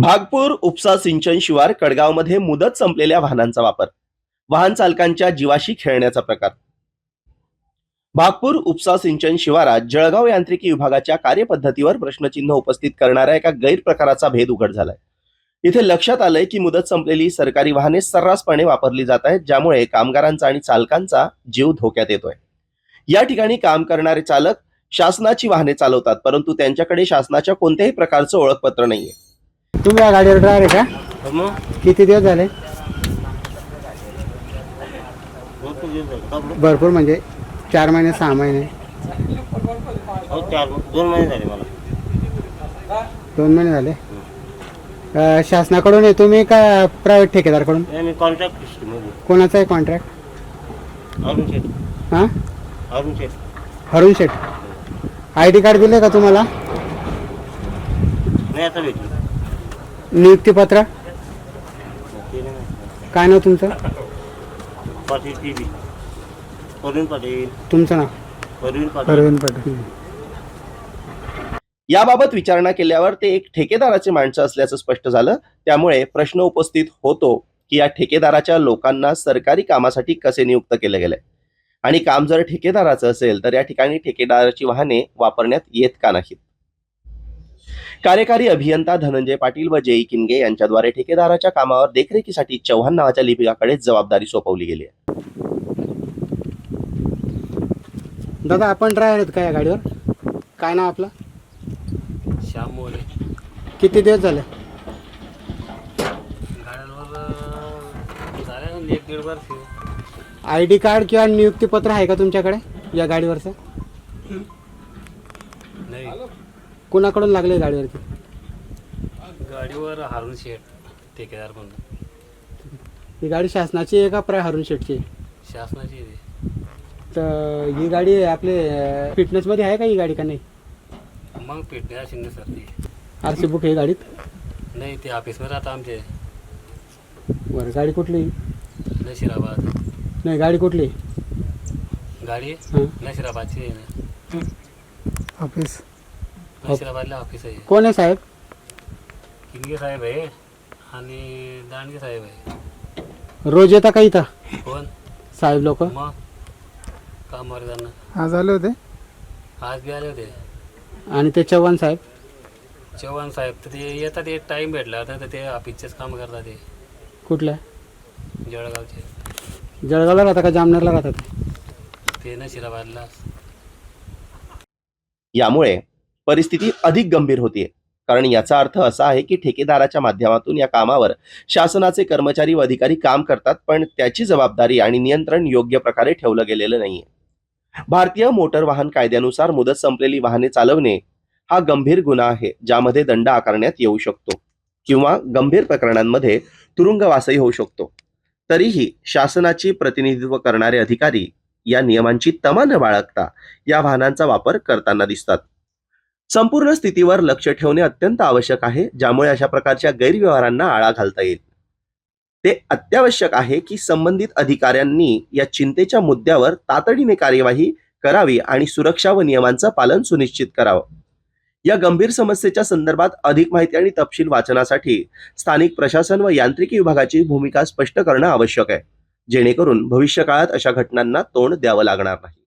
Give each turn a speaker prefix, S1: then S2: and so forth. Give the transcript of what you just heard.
S1: भागपूर उपसा सिंचन शिवार कडगावमध्ये मुदत संपलेल्या वाहनांचा वापर, वाहन चालकांच्या जीवाशी खेळण्याचा प्रकार. भागपूर उपसा सिंचन शिवारात जळगाव यांत्रिकी विभागाच्या कार्यपद्धतीवर प्रश्नचिन्ह उपस्थित करणाऱ्या एका गैरप्रकाराचा भेद उघड झालाय. इथे लक्षात आलंय की मुदत संपलेली सरकारी वाहने सर्रासपणे वापरली जात आहेत, ज्यामुळे कामगारांचा आणि चालकांचा जीव धोक्यात येतोय. या ठिकाणी काम करणारे चालक शासनाची वाहने चालवतात, परंतु त्यांच्याकडे शासनाच्या कोणत्याही प्रकारचं ओळखपत्र नाहीये.
S2: तुम्ही या गाडीवर ड्रायव्हर आहे का?
S3: मग
S2: किती दिवस झाले?
S3: भरपूर दिवस झाले. का बरं?
S2: भरपूर म्हणजे 4 महिने 6 महिने
S3: हो, 2 महिने झाले मला.
S2: 2 महिने झाले. शासनाकडून आहे तुम्ही का प्रायव्हेट ठेकेदारकडून?
S3: नाही, मी कॉन्ट्रॅक्ट सिस्टीममध्ये.
S2: कोणाचा आहे कॉन्ट्रॅक्ट?
S3: अरुण शेठ.
S2: हां,
S3: अरुण शेठ.
S2: हरुण शेठ. ID कार्ड दिले का तुम्हाला?
S3: नाही, आता भेटली.
S2: नियुक्तीपत्र?
S3: ते नाही माहिती.
S2: काय नाव तुमचं?
S3: पाटील टीव्ही. परवीन पाटील.
S2: तुमचं नाव?
S3: परवीन पाटील.
S2: अरविंद पाटील.
S1: याबाबत विचारणा केल्यावर ते एक ठेकेदाराचे माणसं असल्याचं स्पष्ट झालं. त्यामुळे प्रश्न उपस्थित होतो की या ठेकेदाराच्या लोकांना सरकारी कामासाठी कसे नियुक्त केले गेले, आणि काम जर ठेकेदाराचं असेल तर या ठिकाणी ठेकेदाराची वाहने वापरण्यात येत का नाहीत. कार्यकारी अभियंता धनंजय पाटील व जेई किनगे यांच्याद्वारे ठेकेदाराच्या कामावर देखरेखीसाठी चव्हाण नावाच्या लिपिकाकडे जबाबदारी सोपवली गेली आहे.
S2: दादा, आपण ड्रायव्हर आहेत का या गाडीवर? काय नाव आपलं?
S4: श्याम मोरे.
S2: किती दिवस झाले?
S4: गाड्यांवर झाले 1-1.5 वर्ष.
S2: ID कार्ड किंवा नियुक्तीपत्र आहे का तुमच्याकडे या गाडीवरचं?
S4: नाही,
S2: कोणाकडून लागले गाडीवरती?
S4: गाडीवर हारून शेठ ठेकेदार म्हणून.
S2: ही गाडी शासनाची आहे का हरुण शेठची?
S4: शासनाची आहे ती.
S2: तर ही गाडी आपले फिटनेसमध्ये आहे का ही गाडी का नाही?
S4: मग पेटण्या शिंदे सर ती.
S2: RC बुक आहे गाडीत?
S4: नाही, ते ऑफिसमध्ये आता आमचे
S2: बरं, गाडी कुठली?
S4: नशिराबाद.
S2: नाही, गाडी कुठली?
S4: गाडी
S2: हां,
S4: नशिराबादची आहे ना.
S2: ऑफिस.
S4: नशिराबादला ऑफिस आहे.
S2: कोण आहे साहेब?
S4: किनगे साहेब आहे आणि दांडगे साहेब आहे.
S2: रोज येता का इथं
S4: कोण
S2: साहेब लोक?
S4: मग कामावर जाणं.
S2: आज आले होते
S4: आज बी आले होते.
S2: आणि ते चव्हाण साहेब?
S4: चव्हाण साहेब तर ते येतात, एक टाईम भेटला होता तर ते ऑफिसचेच काम करतात. ते
S2: कुठल्या?
S4: जळगावचे.
S2: जळगावला राहता का जामनेरला राहतात?
S4: ते नशिराबादला.
S1: यामुळे परिस्थिती अधिक गंभीर होतीये, कारण याचा अर्थ असा आहे की ठेकेदाराच्या माध्यमातून या कामावर शासनाचे कर्मचारी व अधिकारी काम करतात, पण त्याची जबाबदारी आणि नियंत्रण योग्य प्रकारे ठेवलं गेलेलं नाहीये. भारतीय मोटर वाहन कायद्यानुसार मुदत संपलेली वाहने चालवणे हा गंभीर गुन्हा आहे, ज्यामध्ये दंड आकारण्यात येऊ शकतो किंवा गंभीर प्रकरणांमध्ये तुरुंगवासही होऊ शकतो. तरीही शासनाची प्रतिनिधित्व करणारे अधिकारी या नियमांची तमा न बाळगता या वाहनांचा वापर करताना दिसतात. संपूर्ण स्थितीवर लक्ष ठेवणे अत्यंत आवश्यक आहे, ज्यामुळे अशा प्रकारच्या गैरव्यवहारांना आळा घालता येईल. ते अत्यावश्यक आहे की संबंधित अधिकाऱ्यांनी या चिंतेच्या मुद्द्यावर तातडीने कार्यवाही करावी आणि सुरक्षा व नियमांचं पालन सुनिश्चित करावं. या गंभीर समस्येच्या संदर्भात अधिक माहिती आणि तपशील वाचनासाठी स्थानिक प्रशासन व यांत्रिकी विभागाची भूमिका स्पष्ट करणं आवश्यक आहे, जेणेकरून भविष्यकाळात अशा घटनांना तोंड द्यावं लागणार नाही.